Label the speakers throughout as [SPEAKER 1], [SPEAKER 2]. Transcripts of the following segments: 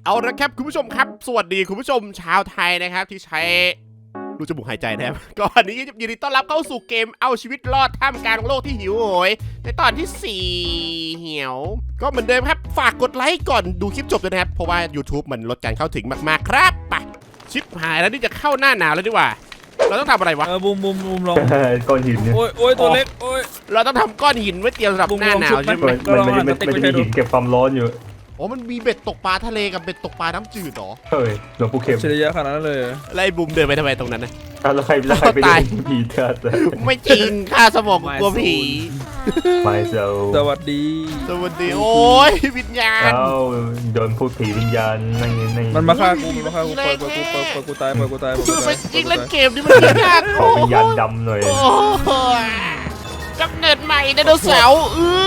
[SPEAKER 1] เอาละครับคุณผู้ชมครับสวัสดีคุณผู้ชมชาวไทยนะครับที่ใช้รูจมูกหายใจนะครับก่อนนี้ยินดีต้อนรับเข้าสู่เกมเอาชีวิตรอดท่ามกลางโลกที่หิวโหยในตอนที่4เหี่ยวก็เหมือนเดิมครับฝากกดไลค์ก่อนดูคลิปจบด้วยนะครับเพราะว่า YouTube มันลดการเข้าถึงมากๆครับไปชิปหายแล้วนี่จะเข้าหน้าหนาวแล้วดีกว่าเราต้องทำอะไรวะ
[SPEAKER 2] บูมลอง
[SPEAKER 3] ก้อนหินเนี่ย
[SPEAKER 2] โอ้ยตัวเล็กโอ้ย
[SPEAKER 1] เราต้องทำก้อนหินไว้เตรียมสำหรับหน้าหนาวใช่ไหม
[SPEAKER 3] มันจะมีหินเก็บความร้อนอยู่
[SPEAKER 1] อ๋อมันมีเบ็ดตกปลาทะเลกับเบ็ดตกปลาน้ำจืดหรอ
[SPEAKER 3] เฮ้ยหลวงปู่เข็ม
[SPEAKER 2] เฉลี่ยขนาดนั้นเลย
[SPEAKER 1] ไล่บุมเดินไปทำไมตรงนั้นนะ
[SPEAKER 3] แล้วใครไปเล่นผีเถิด
[SPEAKER 1] ไม่จริงข้าสมองกลัวผี
[SPEAKER 3] ไม่เจ้า
[SPEAKER 2] สวัสดี
[SPEAKER 1] สวัสดีโอ้ยวิญญาณ
[SPEAKER 3] เอ้าโดนพูดผีวิญญาณนั่ง
[SPEAKER 2] มันมาฆ่ากูเปิดกูตาย
[SPEAKER 1] ไม่จริงเล่นเกมนี้มันยาก
[SPEAKER 3] ขอวิญญาณดำหน่อย
[SPEAKER 1] โอ้ยกำเนิดใหม่ไดโนเสาร์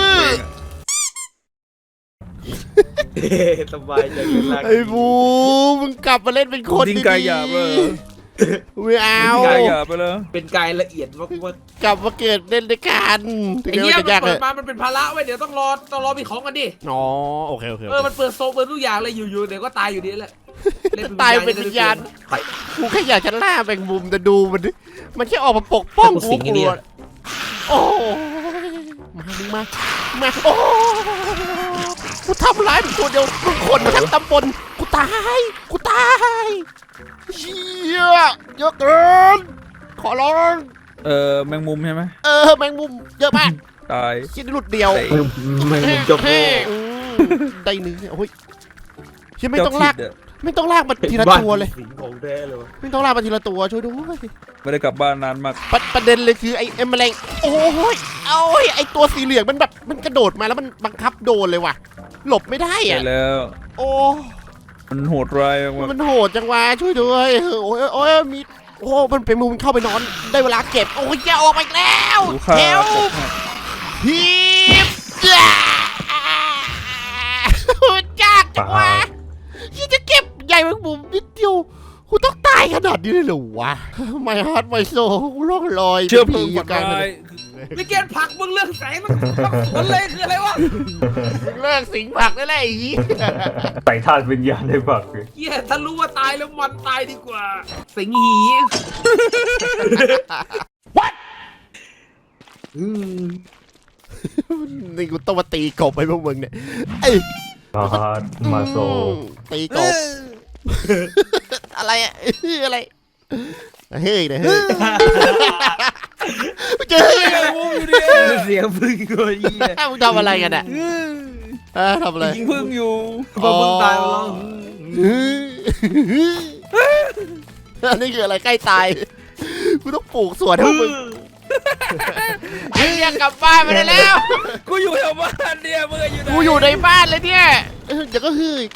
[SPEAKER 4] สบายใจขึ้นละ
[SPEAKER 1] ไอ้บูมึงกลับมาเล่นเป็นคน
[SPEAKER 2] ทิ้ง
[SPEAKER 1] ดี
[SPEAKER 2] กายหยาบเลย
[SPEAKER 1] ไม่เอา
[SPEAKER 2] กายหยาบไปเลย
[SPEAKER 4] เป็นกายละเอียดมาก
[SPEAKER 1] กลับมาเกิดเล่นด้วยกันถึง
[SPEAKER 4] ไอ้
[SPEAKER 1] จะ
[SPEAKER 4] เหี้ย
[SPEAKER 1] ไม่
[SPEAKER 4] มัน
[SPEAKER 1] ยากเล
[SPEAKER 4] เปิ
[SPEAKER 1] ย
[SPEAKER 4] ดมามันเป็นภาระเว้ยเดี๋ยวต้องรอมีของกันดิ
[SPEAKER 1] อ๋อโอเค
[SPEAKER 4] มันเปิดโซเปิดทุกอย่างเลยอยู่ๆเดี๋ยวก็ตายอยู่ดีแหละ
[SPEAKER 1] ตายเป็นวิญญาณกูแค่อยากจะล่าแมงมุมแต่ดูมันแค่ออกมาปกป้องกูกลัวโอ้มาโอ้กูทำร้ายมึงตัวเดียวมึงคนมาทั้งตำบลกูตายเชี่ยเยอะเกินขอร้อง
[SPEAKER 2] แมงมุมใช่ไหม
[SPEAKER 1] แมงมุมเยอะมาก
[SPEAKER 2] ตาย
[SPEAKER 1] คิดหลุดเดียว
[SPEAKER 4] ไม่มุมจบโง่
[SPEAKER 1] ได้เนื้อโอ้ยเชี่ยไม่ต้องลากมาทีละตัวเลย
[SPEAKER 4] สิงของแท้เลยวะ
[SPEAKER 1] ไม่ต้องลากมาทีละตัวช่วยด้วย
[SPEAKER 2] ไม่ได้กลับบ้านนานมาก
[SPEAKER 1] ประเด็นเลยคือไอ้แมลงโอ้ยไอ้ตัวสีเหลืองมันแบบมันกระโดดมาแล้วมันบังคับโดนเลยว่ะหลบไม่ได้
[SPEAKER 2] ใช่
[SPEAKER 1] อะ
[SPEAKER 2] แล้ว
[SPEAKER 1] โอ้
[SPEAKER 2] มันโหดร้ายมาก
[SPEAKER 1] มันโหดจังวะช่วยด้วยโอ้ยมีมันเป็นมุมเข้าไปนอนได้เวลาเก็บโอ้ยแกออกมาอีกแล้ว
[SPEAKER 2] กูฆ่า
[SPEAKER 1] เฮลพีบจ้ายากจังวะยี่จะเก็บใหญ่แมงมุมนิดเดียวกูต้องตายขนาดนี้เลยเหรอวะไม่ฮาร์ดไม่โซ่ร่องรอย
[SPEAKER 2] เชื่อเพลิง
[SPEAKER 1] อ
[SPEAKER 2] ฝั
[SPEAKER 1] ยู่
[SPEAKER 2] น
[SPEAKER 1] กลางถน
[SPEAKER 2] ร้าย
[SPEAKER 1] น
[SPEAKER 4] นี่เกณฑ์ผักมึงเลือกแสงมันสวนเลยคืออะไรวะ
[SPEAKER 1] เลิกสิงผักได้แล้วไอ้ยี่
[SPEAKER 3] ใส่ธาตุวิญญาณได้ปัก
[SPEAKER 4] เหี้ยถ้ารู้ว่าตายแล้วมันตายดีกว่า สิงหี
[SPEAKER 1] นี่กูต้องมาตีกบไปพวกมึงเนี่ยไอ้
[SPEAKER 3] มาโซ
[SPEAKER 1] ตีกบอะไรอะอะไรเฮ้ยนะเฮ้ยเจอ
[SPEAKER 4] เสียงพึ่งกูเหี้ย
[SPEAKER 1] มึงทำอะไรกันอ่ะทำอะไร
[SPEAKER 2] ยิงพึ่งอยู่
[SPEAKER 4] พอมึงตายมาแล้ว
[SPEAKER 1] อันนี้คืออะไรใกล้ตายกูต้องปลูกสวนให้มึงไอ้เนี่ยกลับบ้านไปได้แล้ว
[SPEAKER 2] กูอยู่แถวบ้านเนี่ยมึงอยู่ไหน
[SPEAKER 1] กูอยู่ในบ้านเลยเนี่ยเดี๋ยวก็ฮือ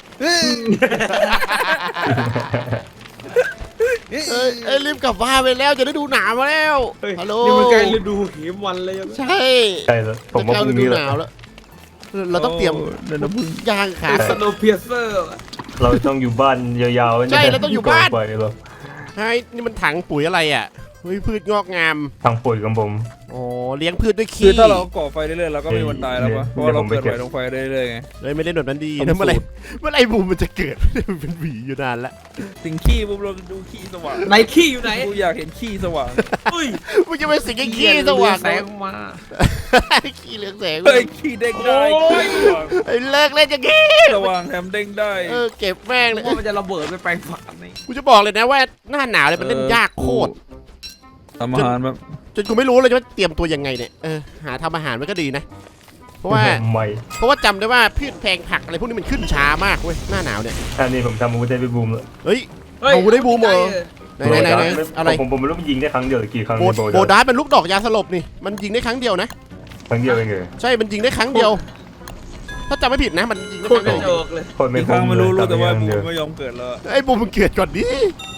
[SPEAKER 1] รีบกลับบ้านไปแล้วจะได้ดูหนาวมาแล้วฮัลโหล
[SPEAKER 4] นี่มันใกล้ฤดูหิมวันเลย
[SPEAKER 1] ใช่
[SPEAKER 3] ใช่แล้วผมว่า
[SPEAKER 1] จะ
[SPEAKER 3] พรุ่ง
[SPEAKER 1] ฤดู
[SPEAKER 3] นี้
[SPEAKER 1] หนาวแล้วเราต้องเตรียมย่างขา
[SPEAKER 4] สโนว์เพียเซอร์
[SPEAKER 3] เราต้องอยู่บ้านยาวๆ
[SPEAKER 1] ใช่เราต้องอยู่บ้าน
[SPEAKER 3] ไปหรอ
[SPEAKER 1] ใช่นี่มันถังปุ๋ยอะไรอ่ะเฮ้ยพืชงอกงาม
[SPEAKER 3] ทางปุ๋ยของผม
[SPEAKER 1] อ๋อเลี้ยงพืชด้วย
[SPEAKER 2] คื
[SPEAKER 1] ขี้
[SPEAKER 2] อถ้าเราก่อไฟเรื่อยๆเราก็ไม่มีวันตายแล้วปะเพราะว่าเราเกิดใหม่ลงไฟเรื่อยๆไง
[SPEAKER 1] เลยไม่เล่นแบบนั้นดีนะเมื่อไหรบูมมันจะเกิดมันเป็นหวีอยู่นานแล้ว
[SPEAKER 2] สิ่งขี้ปุ๊บเราดูขี้สว่าง
[SPEAKER 4] ไหนขี้อยู่ไหน
[SPEAKER 2] กูอยากเห็นขี้สว่าง
[SPEAKER 4] อุ้ย
[SPEAKER 1] มึงจะไปสิงไอ้ขี้สว่าง
[SPEAKER 4] แสงมา
[SPEAKER 1] ขี้เหลืองแสง
[SPEAKER 2] เฮ้ยขี้เด้งได้ขี้สว่าง
[SPEAKER 1] ไอ้เลิกเล่นอย่างงี้
[SPEAKER 2] สว่างแถมเด้งได้
[SPEAKER 1] เก็บแม่งเลย
[SPEAKER 4] ว่ามันจะระเบิดไปแปลงฝันนี่
[SPEAKER 1] กูจะบอกเลยนะว่าหน้าหนาวเลยมันเล่นยากโคตร
[SPEAKER 2] ทำอาหารแบบ
[SPEAKER 1] จนกูไม่รู้เลยว่าเตรียมตัวยังไงเนี่ยหาทำอาหารมันก็ดีนะ เพราะว่าจำได้ว่าพืชแพงผักอะไรพวกนี้มันขึ้นช้ามากเว้ยหน้าหนาวเนี่ย
[SPEAKER 3] อันนี้ผมทำอาวุธได้ไปบูมแล้ว
[SPEAKER 1] เฮ้ยเอาได้บูมเหรอไหนอะไร
[SPEAKER 3] ผมไม่รู้มันยิงได้ครั้งเดียวหรือกี่ครั้ง
[SPEAKER 1] โบดาร์เป็นลูกดอกยาสลบนี่มันยิงได้ครั้งเดียวนะ
[SPEAKER 3] ครั้งเดียวเองเหรอ
[SPEAKER 1] ใช่มันยิงได้ครั้งเดียว ถ้าจำไม่ผิดนะมันยิงได้
[SPEAKER 4] โค
[SPEAKER 1] ค
[SPEAKER 4] ต
[SPEAKER 1] รั้
[SPEAKER 4] รง
[SPEAKER 1] เดียว
[SPEAKER 4] โจกเลย
[SPEAKER 3] คนไม่
[SPEAKER 2] อีกครั้งไม่รู้แต่ว่าบูมไม่ยอมเกิดแล้ว
[SPEAKER 1] ไอ้บูมมันเกิดก่อนดิ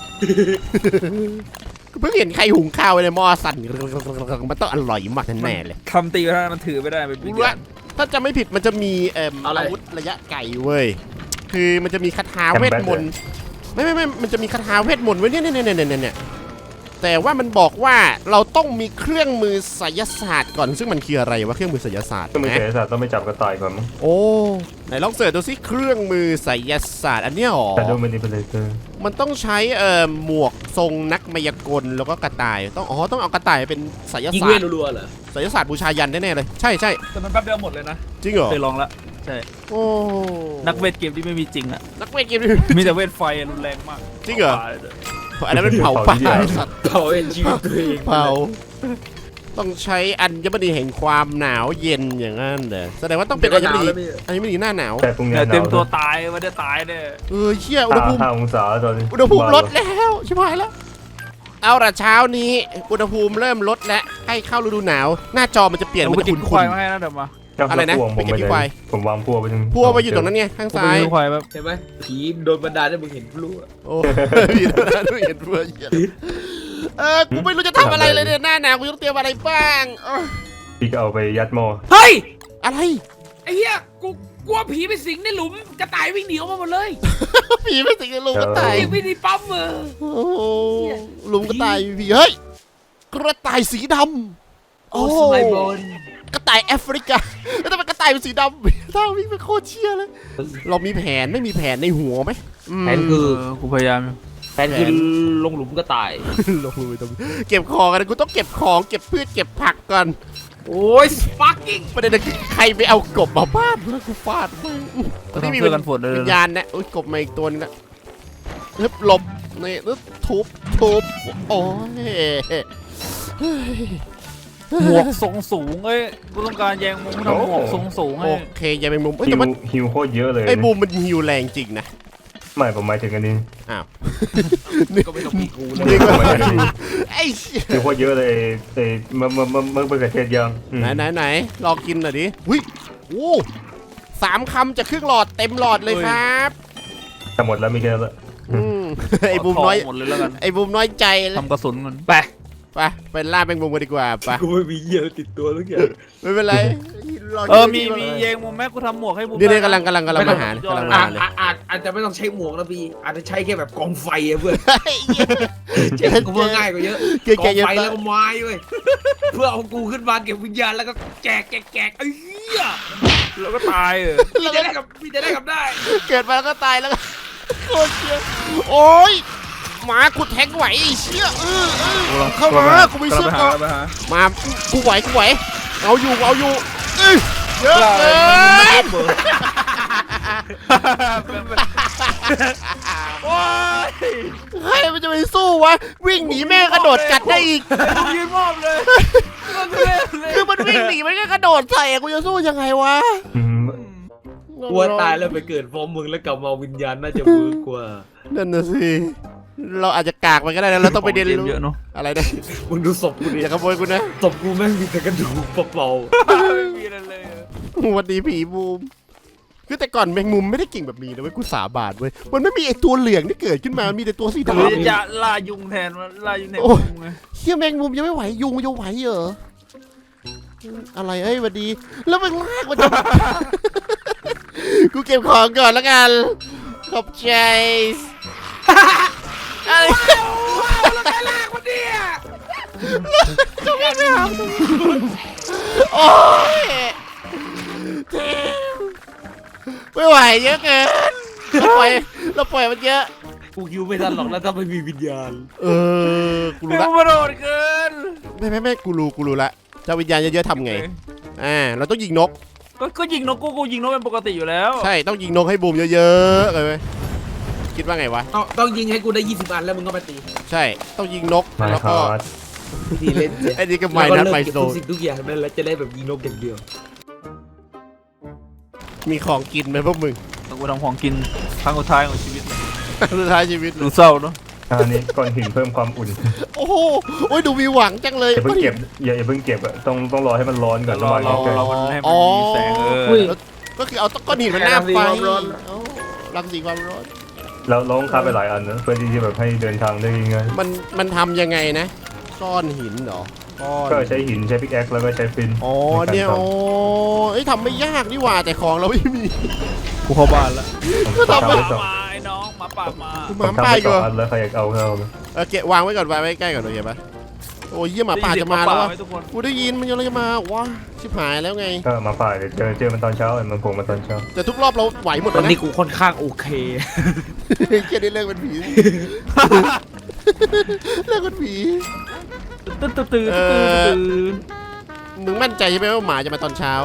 [SPEAKER 1] เพิ่งเห็นใครหุงข้าวไว้ในหม้อสั่นมันต้องอร่อยมากแน่เลย
[SPEAKER 2] คำตีกระทะมันถือไม่ได้เป็น
[SPEAKER 1] กูรู้ละถ้าจำไม่ผิดมันจะมีอาวุธระยะไกลเว้ยคือมันจะมีคาถาเวทมนต์ไม่มันจะมีคาถาเวทมนต์ไว้เนี่ยแต่ว่ามันบอกว่าเราต้องมีเครื่องมือไสยศาสตร์ก่อนซึ่งมันคืออะไรวะเครื่องมือไสยศาสตร์
[SPEAKER 3] ก็ไม่
[SPEAKER 1] นะ
[SPEAKER 3] เสียสัตว์ต้องไปจับกระต่ายก่อนมั้ง
[SPEAKER 1] โอ้ไหนลองเสิร์ชดูสิเครื่องมือไสยศาสตร์อันเนี้ยหรอ
[SPEAKER 3] แต่ดูมันนี่เป็นเลเซอร์
[SPEAKER 1] มันต้องใช้หมวกทรงนักมายากลแล้วก็กระต่ายต้องต้องเอากระต่ายเป็นไสย
[SPEAKER 4] ยิง
[SPEAKER 1] ศา
[SPEAKER 4] เว
[SPEAKER 1] สต
[SPEAKER 4] ท
[SPEAKER 1] ร์
[SPEAKER 4] รัวๆเหรอ
[SPEAKER 1] ไสยศาสตร์บูชายันแน่ๆเลยใช่ใช่
[SPEAKER 2] แต่มันแป๊บเดียวหมดเลยนะ
[SPEAKER 1] จริงเหรอ
[SPEAKER 2] เคยลองละใช่
[SPEAKER 1] โอ้
[SPEAKER 2] นักเวทเกมที่ไม่มีจริงอะ
[SPEAKER 1] นักเวทเกม
[SPEAKER 2] มีแต่เวทไฟรุนแรงมาก
[SPEAKER 1] จริงเหรออันนั้นเป็นเผาป่าสัตว์
[SPEAKER 4] เผาเอ็นชีวิตตัวเอง
[SPEAKER 1] เผาต้องใช้อัญมณีแห่งความหนาวเย็นอย่างนั้นเหรอแสดงว่าต้องเป็นอัญมณีหน้าหนาว
[SPEAKER 3] แต่พรุ่งนี้
[SPEAKER 2] เนี่ย
[SPEAKER 3] หนาว
[SPEAKER 2] เต็มตัวตายไม่ได้ตายเนี่ย
[SPEAKER 1] เชี่ยอุณหภูมิ
[SPEAKER 3] 5 องศาตอนนี้
[SPEAKER 1] อุณหภูมิลดแล้วชิบหายแล้วเอาละเช้านี้อุณหภูมิเริ่มลดแล้วให้เข้าฤดูหนาวหน้าจอมันจะเปลี่ยน
[SPEAKER 2] เดี๋ยว
[SPEAKER 1] มัน
[SPEAKER 2] ไป
[SPEAKER 1] จะ
[SPEAKER 2] กิน
[SPEAKER 1] ขุ่
[SPEAKER 2] ควาย
[SPEAKER 1] น
[SPEAKER 2] มาให้นะเดี๋ยวมา
[SPEAKER 1] อะไรนะ
[SPEAKER 3] พวงผม
[SPEAKER 1] ไปเก็บ
[SPEAKER 3] ไป
[SPEAKER 1] ที่
[SPEAKER 3] ไห
[SPEAKER 1] ควาย
[SPEAKER 3] ผมวางพัวไปตรง
[SPEAKER 1] พัวไปอยู่ตรงนั้นไงข้าง
[SPEAKER 2] ผม
[SPEAKER 1] ซ้า
[SPEAKER 2] ไป
[SPEAKER 1] ย
[SPEAKER 2] กินควายแบบ
[SPEAKER 4] เห็นไหมผีโดนบันดาลให้มึงเห็นพลุอะ
[SPEAKER 1] โอ้พี่ดูเห็นพัวเหี้ยกูไม่รู้จะทำอะไรเลยเนี่ยหน้าหนาวกูต้องเตรียมอะไรบ้างเอ้อ
[SPEAKER 3] พี่ก็เอาไปยัดหม้อ
[SPEAKER 4] เฮ้ย
[SPEAKER 1] อะไร
[SPEAKER 4] ไอ้เหี้ยกูกลัวผีไปสิงในหลุมกระต่ายวิ่งหนีออกมาหมดเลย
[SPEAKER 1] ผีไม่สิงในลุงกระต่าย
[SPEAKER 4] ยังไม่ได้ปั๊มมือ
[SPEAKER 1] โอ้โหลุงกระต่ายผีเฮ้ยกระต่ายสีดำ
[SPEAKER 4] โอ้สมัยบน
[SPEAKER 1] กระต่ายแอฟริกาแล้วทำไมกระต่ายเป็นสีดำถ้าวิ่งไปโคตรเชี่ยเลยเรามีแผนไม่มีแผนในหัวไหม
[SPEAKER 4] แผนคือ
[SPEAKER 2] กูพยายาม
[SPEAKER 4] แผนคือลงหลุมกระต่าย
[SPEAKER 1] ลงมือตรงเก็บของกันกูต้องเก็บของเก็บพืชเก็บผักก่อน
[SPEAKER 4] โอ้ยฟักกิ้ง
[SPEAKER 1] ประเด็นคือใครไปเอากบมาบ้านแล้วกูฟาดมึงตอนนี้มี
[SPEAKER 2] เพื่อกันฝนเลย
[SPEAKER 1] วิญญาณนะอุ้ยกบมาอีกตัวนึงนะฮึบหลบนี่แล้วทุบโอ้ย
[SPEAKER 2] หมวกทรงสูงเอ้ยกูต้องการแยงมุมทำหมวกทรงสูง
[SPEAKER 1] โอ
[SPEAKER 2] ให้
[SPEAKER 1] เคอย่าเป็นมุมเอ้ย
[SPEAKER 3] ฮิ
[SPEAKER 1] แต่
[SPEAKER 3] ว
[SPEAKER 1] มัน
[SPEAKER 3] ฮิวโคตรเยอะเลย
[SPEAKER 1] ไอ้บูมมันฮิวแรงจริงนะ
[SPEAKER 3] ไม่ผมหมายถึงอันนี้
[SPEAKER 1] อ้าว
[SPEAKER 4] ก็ไม่ต้องมีกูเลย
[SPEAKER 1] นี่ก็
[SPEAKER 3] ไม่ได้
[SPEAKER 1] ไอ้เชี่ย
[SPEAKER 3] ฮิวโคตรเยอะเลยไอ้เมื่อเกษตรยัง
[SPEAKER 1] ไหนลองกินหน่อยดิวิโอ้3 คำจากครึ่งหลอดเต็มหลอดเลยครับ
[SPEAKER 3] จะหมดแล้วมีแค่นั้นละ
[SPEAKER 1] ไอ้บูมน้อย
[SPEAKER 2] หมดเลยแล้วกัน
[SPEAKER 1] ไอ้บูมน้อยใจเลย
[SPEAKER 2] ทำกระสุนกัน
[SPEAKER 4] ไป
[SPEAKER 1] ไปล่าแมงมุมกันดีกว่าไป
[SPEAKER 4] กูไม่มีเหี้ยติดตัวทุกอย่าง
[SPEAKER 1] ไม่เป็นไรรอ
[SPEAKER 2] มีแยงมุมแม่กูทำหมวกให้บุม
[SPEAKER 1] นี่กำลังมาหากำลังมาเลย
[SPEAKER 4] อาจจะไม่ต้องใช้หมวกนะพี่อาจจะใช้แค่แบบกองไฟอะเพื่อน
[SPEAKER 1] เฮ้ย
[SPEAKER 4] เจ๊กูว่าง่ายกว่าเยอะ
[SPEAKER 1] เก่ง
[SPEAKER 4] กอง
[SPEAKER 1] เยอะ
[SPEAKER 4] ไฟแล้วก็ไม้เว้ยเพื่อเอากูขึ้นมาเก็บวิญญาณแล้วก็แจกไอ้เหี้ย
[SPEAKER 2] แล้วก็ตายเออ
[SPEAKER 4] พี่จะได้กับได้
[SPEAKER 1] เกิดมาแล้วก็ตายแล้วก็โคตรเชี่ยโอ้ยหมากูแทงไหวไอ้เชี่ยเข้ามากูไม่เชื่อก่อนมากูไหวเอาอยู่เยอะเกินโอ้ยใครมันจะไปสู้วะวิ่งหนีแม่กระโดดกัดได้อีก
[SPEAKER 2] กูยืนมอบเลย
[SPEAKER 1] คือมันวิ่งหนีมันก็กระโดดใส่กูจะสู้ยังไงวะ
[SPEAKER 4] กลัวตายแล้วไปเกิดพร้อมมึงแล้วกลับมาวิญญาณน่าจะเวิร์กกว่า
[SPEAKER 1] นั่นน่ะสิเราอาจจะกากมันก็ได้นะเราต้องไปเรียนรู้
[SPEAKER 2] เยอะเนาะ
[SPEAKER 1] อะไรนะ
[SPEAKER 4] มึงดูศพกูดิ
[SPEAKER 1] อย่าขโมยกูนะ
[SPEAKER 4] ศพกูแม่งมีแต่กระดูกเปล่า
[SPEAKER 2] ไม่มีอะไรเลย
[SPEAKER 1] สวัสดีผีบูมคือแต่ก่อนแมงมุมไม่ได้เก่งแบบนี้นะเว้ยกูสาบานเว้ยมันไม่มีไอตัวเหลืองที่เกิดขึ้นมามันมีแต่ตัวสี
[SPEAKER 2] หรือ
[SPEAKER 1] ดำ
[SPEAKER 2] จะล่ายุงแทนล่ายุงแทน
[SPEAKER 1] โอ้ย
[SPEAKER 2] ยุงไง
[SPEAKER 1] เฮียแมงมุมยังไม่ไหวยุงจะไหวเหรออะไรเอ้ยสวัสดี แล้วมันลากมันจะ กูเก็บของก่อนแล้วกันขอบใจอะไร
[SPEAKER 4] ๆแล้วใครลากมันเนี่ย
[SPEAKER 1] จะไม่ไปหาโอ้ยเทมไม่ไหวเยอะเกินเราปล่อยมันเยอะ
[SPEAKER 4] กูคิวไม่ทันหรอกแล้วถ้าไม่มีวิญญาณ
[SPEAKER 1] กู
[SPEAKER 2] ไม่
[SPEAKER 1] รู้ละ
[SPEAKER 2] กระโดดเกิน
[SPEAKER 1] ไม่กูรู้ละเจ้าวิญญาณเยอะๆทำไงเราต้องยิงนก
[SPEAKER 2] ก็ยิงนกกูยิงนกเป็นปกติอยู่แล้ว
[SPEAKER 1] ใช่ต้องยิงนกให้บูมเยอะๆเลยไหมคิดว่าไงวะ
[SPEAKER 4] ต้องยิงให้กูได้20 อันแล้วมึงก็มาตี
[SPEAKER 1] ใช่ต้องยิงนก
[SPEAKER 3] มา
[SPEAKER 1] แล้ว
[SPEAKER 3] ค
[SPEAKER 1] ก็
[SPEAKER 3] รับ
[SPEAKER 4] ทีเล่น
[SPEAKER 1] ไอ้นี่ก็
[SPEAKER 4] แล้ว
[SPEAKER 1] ไม่
[SPEAKER 4] ก็
[SPEAKER 1] นะ
[SPEAKER 4] เลิก
[SPEAKER 1] ไม่
[SPEAKER 4] เก็บ
[SPEAKER 1] โซ
[SPEAKER 4] ทุกสิ่งทุกอย่างนั่นแล้วจะได้แบบยิงนกอย่างเดียว
[SPEAKER 1] มีของกินไหมพวกมึง
[SPEAKER 2] ต้องกูทำของกินครั้งสุดท้ายของชีวิตเลย
[SPEAKER 1] สุดท้ายชีวิต
[SPEAKER 2] ดูเศร้าเนาะ
[SPEAKER 3] อันนี้ก้อนหินเพิ่มความอุ่น
[SPEAKER 1] โอ้โหโอ้ยดูมีหวังจังเลย
[SPEAKER 3] อย่าเพิ่งเก็บอย่าเพิ่งเก็บอะต้องรอให้มันร้อนก่อน
[SPEAKER 2] รอ
[SPEAKER 3] ระหว่าง
[SPEAKER 2] เรา
[SPEAKER 3] เกิด
[SPEAKER 2] เรามันให้มันมีแสง
[SPEAKER 1] ก็คือเอาก้อนหินมันหน้าไฟรังสีความร้อน
[SPEAKER 3] แล้วต้องค้าไปหลายอันนะเพื่อที่จะแบบให้เดินทางได้ง่าย
[SPEAKER 1] มันทำยังไงนะก้อนหินเหรอก้อน
[SPEAKER 3] ก็ใช้หินใช้พิกแอคแล้วก็ใช้ฟิน
[SPEAKER 1] อ๋อเนี่ยโอ้ยทำไม่ยากนี่หว่าแต่ของเราไม่มี
[SPEAKER 2] กูเข้าบ้านแล้ว
[SPEAKER 3] ผมทำ
[SPEAKER 2] ป่า
[SPEAKER 3] ไปสอง
[SPEAKER 2] มาไอ้น้องมาป่ามา
[SPEAKER 1] กู
[SPEAKER 3] ผม
[SPEAKER 1] มา
[SPEAKER 3] ทำ
[SPEAKER 1] ป้า
[SPEAKER 3] ไป
[SPEAKER 1] ยอยู่
[SPEAKER 3] 2 อันแล้วใครอยากเอาเข้าไหม
[SPEAKER 1] เกะวางไว้ก่อนวางไว้ใกล้ก่อนโอเคปะโอ้ยเยี่ยหมาป่าจะมาแล้ววะ
[SPEAKER 2] ได้ยินเสียงหป่ไหทุกคน
[SPEAKER 1] กูได้ยินมันยังอะไรจะมาว้าชิบหายแล้วไง
[SPEAKER 3] ก็มาฝ่ายเดี๋ยวเจอมันตอนเช้ามันโผล่มาตอนเช้า
[SPEAKER 1] แต่ทุกรอบเราไหวหมด
[SPEAKER 4] ต
[SPEAKER 1] เล
[SPEAKER 4] อน
[SPEAKER 1] ย
[SPEAKER 4] นี้
[SPEAKER 1] นะ
[SPEAKER 4] กูค่อนข้างโอเค
[SPEAKER 1] แค่ได้เลิกเป็นผีเลิกเป็นผี
[SPEAKER 2] ตื่น
[SPEAKER 1] มึงมั่นใจใช่ไหมว่าหมาจะมาตอนเช้า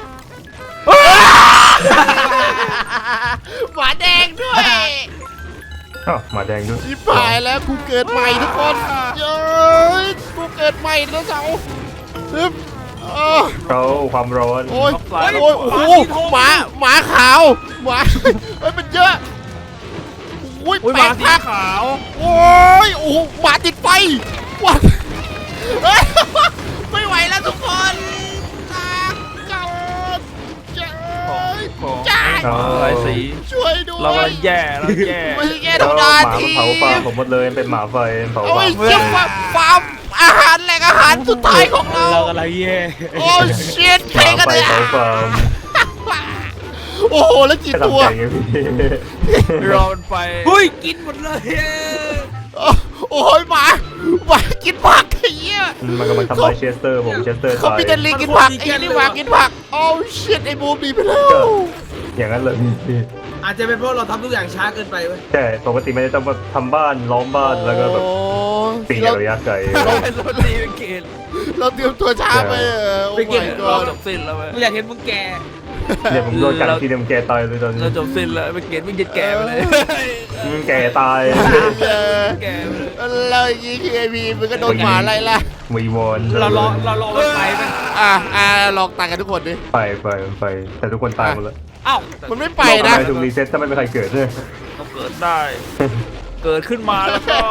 [SPEAKER 1] หมาแดงด้วย
[SPEAKER 3] อ้าวหมาแดงด้วย
[SPEAKER 1] ชิบหายแล้วกูเกิดใหม่ทุกคนเย้ยกูเกิดใหม่แล้วเสาฮึบ
[SPEAKER 3] เขาความร้อน
[SPEAKER 1] โอ้ยโอ้ยโอ้โหหมาขาวหมาเฮ้ยมันเยอะโอ้ย
[SPEAKER 2] โอ้ย
[SPEAKER 1] แป
[SPEAKER 2] ห
[SPEAKER 1] ล
[SPEAKER 2] มาก สี
[SPEAKER 1] พัก
[SPEAKER 2] ขาว
[SPEAKER 1] โอ้ยโอ้โหหมาติดไฟวัดเฮ้ยไม่ไหวแล้วทุกคนตากกันเจ้ย
[SPEAKER 2] ของ
[SPEAKER 1] จ้า
[SPEAKER 2] หลายสี
[SPEAKER 1] ช่วยด้วย
[SPEAKER 2] เรากำลังแย่เราแย่
[SPEAKER 1] ไม่ใช่แค่
[SPEAKER 3] แล้ว
[SPEAKER 1] ธรรม
[SPEAKER 3] ห
[SPEAKER 1] ดา
[SPEAKER 3] มา
[SPEAKER 1] ที
[SPEAKER 3] เผาฟาร์มผมหมดเลยเป็นหมาไฟเผา
[SPEAKER 1] โอ้
[SPEAKER 3] ฟาย ร์ม
[SPEAKER 1] เชี่ยฟาร์มอาหารแหล่งอาหารสุดท้ายของเรา
[SPEAKER 4] เรากำลังแย่
[SPEAKER 1] โอ้ชิต
[SPEAKER 3] ห
[SPEAKER 1] ใคร
[SPEAKER 3] มา
[SPEAKER 1] กัน
[SPEAKER 3] ไฟ
[SPEAKER 1] เนี่ย
[SPEAKER 3] เผาฟาร์ม
[SPEAKER 1] โอ้โหแล้วกี่
[SPEAKER 3] แค่
[SPEAKER 1] ตัว
[SPEAKER 3] ทำใจไงพี่
[SPEAKER 2] รอมันไป
[SPEAKER 4] เฮ้ยกินหมดเลย
[SPEAKER 1] โอ้ยหมากินผักไอ้เหี้ย
[SPEAKER 3] มันกำลังทำลายเชสเตอร์ผมเชสเตอร์
[SPEAKER 1] เขา
[SPEAKER 3] ตาย
[SPEAKER 1] พิจารณากินผักไอ้นี่หมากินผักโอ้ชิตไอ้บูมดีไปแล้ว
[SPEAKER 3] อย่างนั้นเลยพี่
[SPEAKER 4] อาจจะเป็นเพราะเราทำทุกอย่างช้าเกินไปเว้ย
[SPEAKER 3] ใช่ปกติมันจะต้องทำบ้านล้อมบ้านแล้วก็แบบปีกระยะไกล
[SPEAKER 2] เราตีเป็นเกต
[SPEAKER 1] เราเตรียมตัวช้าไปโอ้ my
[SPEAKER 2] เรา
[SPEAKER 1] god
[SPEAKER 2] จบสิ้นแล้วไหม
[SPEAKER 4] กูอยากเห็นมึงแก่
[SPEAKER 3] เนี่ยผมโดนกัดทีเดียวแกตายเลยตอนนี้
[SPEAKER 2] เราจบสิ้นแล้วเป็นเกตวิ่งแก่ไปเลย
[SPEAKER 3] แกตาย
[SPEAKER 2] แก่ไปเลย
[SPEAKER 1] แล้วอย่างงี้คือไอพีมันก็โดนหมาไล่ล่ะ
[SPEAKER 3] วีวอน
[SPEAKER 4] เรารอมันไปไหม
[SPEAKER 1] ลองตายกันทุกคนดิ
[SPEAKER 3] ไปแต่ทุกคนตายหมดแล้ว
[SPEAKER 4] เอ้า
[SPEAKER 1] มันไม่ไปนะ
[SPEAKER 3] ทำไมถูกรีเซ็ตถ้าไม่มีใครเกิดเนี่ย
[SPEAKER 2] เราเกิดได้ เกิดขึ้นมาแล้วก็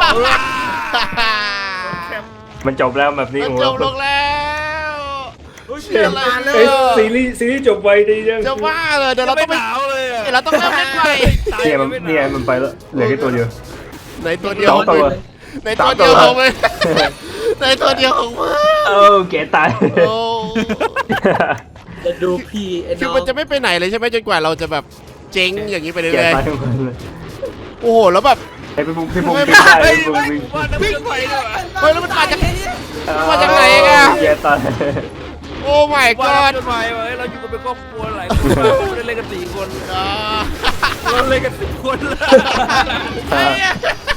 [SPEAKER 3] มันจบแล้วแบบนี้
[SPEAKER 1] มัน
[SPEAKER 3] โอ้
[SPEAKER 1] จบลงแล้ว เชื่ออะไรเลย
[SPEAKER 3] ซีรีส์จบไวดีจัง
[SPEAKER 1] จะว่าเลยเดี๋ยวเราต้องไป
[SPEAKER 2] หนาวเลยอะ
[SPEAKER 1] เดี๋ยวเราต้องเริ่มเล่นใหม่
[SPEAKER 3] เนี่ยมันไปแล้วเหลือแค่ตัวเดียว
[SPEAKER 1] ในตัวเดียว
[SPEAKER 3] สองตัว
[SPEAKER 1] ในตัวเดียวของมันในตัวเดียวของมัน
[SPEAKER 3] แกตาย
[SPEAKER 1] โอ้
[SPEAKER 4] จะดูพี่ไอ้
[SPEAKER 1] คือ
[SPEAKER 4] น้อง
[SPEAKER 1] มันจะไม่ไปไหนเลยใช่ไหมจนกว่าเราจะแบบเจ๊งอย่างนี้ไป
[SPEAKER 3] แก
[SPEAKER 1] เรื่อย
[SPEAKER 3] ตายทั้งคนเลย
[SPEAKER 1] ๆโอ้โหแล้วแบบ
[SPEAKER 3] ไอ้พี่ปุ๊กวิ่งได้พี่ปุ๊กวิ่ง
[SPEAKER 2] ว่าน้ำวิ่งไปด้วย
[SPEAKER 1] เฮ้ยแล้วมันมาจากมาจากไหนอะ
[SPEAKER 3] แกตาย
[SPEAKER 1] โอ้ my
[SPEAKER 2] ว่า
[SPEAKER 1] god
[SPEAKER 2] จนไปเว้ยเราอยู่กันเป็นครอบครัวหลายคนมากเราเล่นกัน4 คนเราเล่นกัน10 คนแล้ว
[SPEAKER 1] ไอ้เหี้ย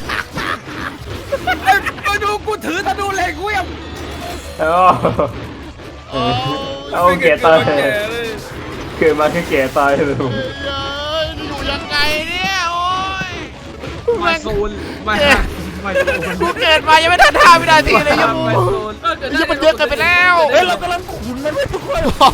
[SPEAKER 4] มาดูกูถือธนูเหล็กเว้ย
[SPEAKER 3] เอาแกตายเกิดมาแค่แกตายเลย
[SPEAKER 1] เฮ้ยอยู่ยังไงเนี่ยโอ้ย
[SPEAKER 4] มาโซนมาโซน
[SPEAKER 1] กูเกิดมายังไม่ทัน5 วินาทีเลยยัง
[SPEAKER 4] มา
[SPEAKER 1] มู
[SPEAKER 4] โซน
[SPEAKER 1] ยังมันเยอะเกินไปแล้ว
[SPEAKER 2] เฮ้ยเรากำลังขุนมันไม่ทุกคน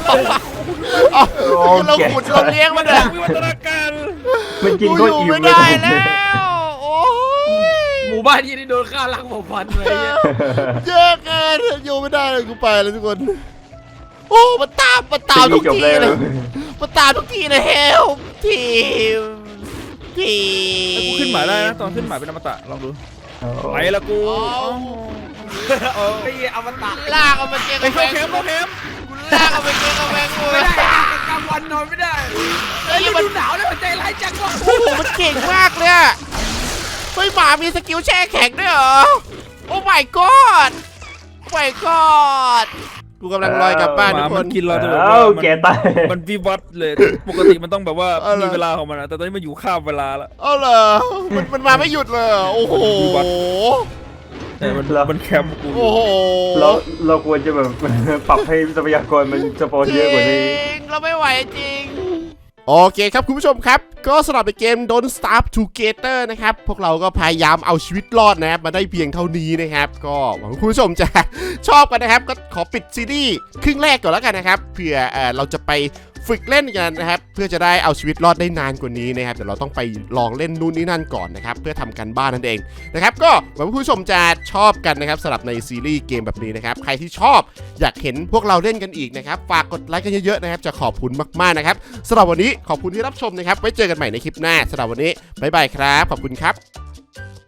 [SPEAKER 1] เราขุดเราเลี้ยงมันเลย
[SPEAKER 2] วิวัฒนาการ
[SPEAKER 3] มันกิน
[SPEAKER 1] กู
[SPEAKER 3] ก็
[SPEAKER 1] อยู่
[SPEAKER 3] อิ่ม
[SPEAKER 1] ไม่
[SPEAKER 3] เลย
[SPEAKER 1] ได้แล้วโอ้ย
[SPEAKER 4] หมู่บ้านยี่นี่โดนฆ่าล้างเผ่าพันธุ์เลย
[SPEAKER 1] เยอะเกินอยู่ไม่ได้เลยกูไปแล้วทุกคนโอ้มันตามทุก
[SPEAKER 3] จบ
[SPEAKER 1] ที
[SPEAKER 3] แล้ว
[SPEAKER 1] เลยมันตามทุกทีเลยเฮลทีม
[SPEAKER 2] กูขึ้นหมาได้นะตอนขึ้นหมาเป็นอมตะลองดูไปละกู
[SPEAKER 4] ไอ้อมตะ
[SPEAKER 1] ลากเอาไปเกง
[SPEAKER 2] ไป
[SPEAKER 1] กระแพ
[SPEAKER 2] เข้าง เข็มเข้าเข็ม
[SPEAKER 1] กูลากเอาไปเกงกระแพงกู
[SPEAKER 4] ไม่ได้กลางวันนอนไม่ได้ไอ้ยมันหนาวแล้วมันใจร้ายจังวะ
[SPEAKER 1] โอ้โหมันเก่งมากเลยอะเฮ้ยหมามีสกิลแช่แข็งด้วยเหรอโอ้ my god my god กูกำลังลอยกลับบ้าน
[SPEAKER 2] ห
[SPEAKER 1] ทุ
[SPEAKER 2] มาก
[SPEAKER 1] ค
[SPEAKER 2] มัน นกินเราแต่แบบ
[SPEAKER 3] เอ้า
[SPEAKER 2] ว่า
[SPEAKER 3] แกตาย
[SPEAKER 2] มันวิวัฒน์เลยปกติมันต้องแบบว่า
[SPEAKER 1] เอาเหรอ
[SPEAKER 2] มีเวลาของมันนะแต่ตอนนี้มันอยู่ข้ามเวลาละ
[SPEAKER 1] เอาเหรอมันมาไม่หยุดเลยเหรอโอ้โห
[SPEAKER 2] แต่มันแคมป์กู
[SPEAKER 1] โอ้โห
[SPEAKER 3] เราควรจะแบบ ปรับให้ทรัพยากรมันสปอนเยอะกว่านี้
[SPEAKER 1] จริงเราไม่ไหวจริงโอเคครับคุณผู้ชมครับก็สำหรับในเกม Don't Starve Together นะครับพวกเราก็พยายามเอาชีวิตรอดนะครับมาได้เพียงเท่านี้นะครับก็หวังว่าคุณผู้ชมจะ ชอบกันนะครับก็ขอปิดซีรีส์ครึ่งแรกก่อนแล้วกันนะครับเผื่อเราจะไปฝึกเล่นกันนะครับเพื่อจะได้เอาชีวิตรอดได้นานกว่านี้นะครับเดี๋ยวเราต้องไปลองเล่นนู่นนี่นั่นก่อนนะครับเพื่อทำกันบ้านนั่นเองนะครับก็หวังว่าคุณผู้ชมจะชอบกันนะครับสำหรับในซีรีส์เกมแบบนี้นะครับใครที่ชอบอยากเห็นพวกเราเล่นกันอีกนะครับฝากกดไลค์กันเยอะๆนะครับจะขอบคุณมากๆนะครับสำหรับวันนี้ขอบคุณที่รับชมนะครับไว้เจอกันใหม่ในคลิปหน้าสำหรับวันนี้บ๊ายบายครับขอบคุณครับ